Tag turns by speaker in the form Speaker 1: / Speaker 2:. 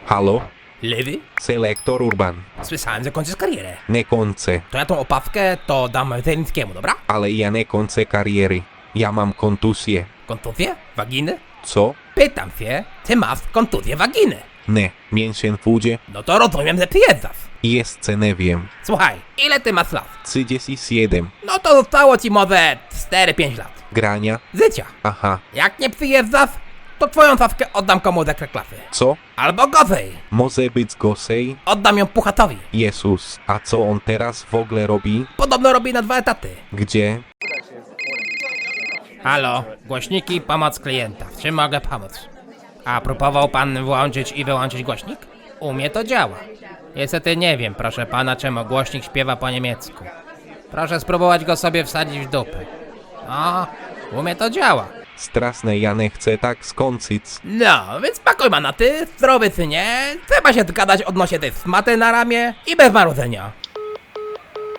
Speaker 1: Halo?
Speaker 2: Lewy?
Speaker 1: Selektor Urban.
Speaker 2: Słyszałem, że kończysz karierę.
Speaker 1: Nie kończę,
Speaker 2: To ja tą opawkę to dam Zelińskiemu, dobra?
Speaker 1: ale ja nie kończę kariery. Ja mam kontuzję.
Speaker 2: Kontuzję? Waginy?
Speaker 1: Co?
Speaker 2: Pytam się, czy masz kontuzję waginy?
Speaker 1: Nie, mięsień w udzie?
Speaker 2: No to rozumiem, że przyjeżdżasz.
Speaker 1: Jeszcze nie wiem.
Speaker 2: Słuchaj, ile ty masz lat?
Speaker 1: 37.
Speaker 2: No to zostało ci może 4-5 lat.
Speaker 1: Grania?
Speaker 2: Życia.
Speaker 1: Aha.
Speaker 2: Jak nie przyjeżdżasz, to twoją stawkę oddam komuś z ekstraklasy.
Speaker 1: Co?
Speaker 2: Albo gorzej,
Speaker 1: Może być gorzej?
Speaker 2: oddam ją Puchatowi.
Speaker 1: Jezus, a co on teraz w ogóle robi?
Speaker 2: Podobno robi na 2 etaty.
Speaker 1: Gdzie?
Speaker 2: Halo, głośniki, pomoc klienta. W czym mogę pomóc? A próbował pan włączyć i wyłączyć głośnik? U mnie to działa. Niestety nie wiem, proszę pana, czemu głośnik śpiewa po niemiecku. Proszę spróbować go sobie wsadzić w dupę. No, u mnie to działa.
Speaker 1: Straszne, ja nie chcę tak skończyć.
Speaker 2: No, więc pakuj ma na ty, zdrowy synie. Trzeba się zgadać odnośnie tej smaty na ramię i bez marudzenia.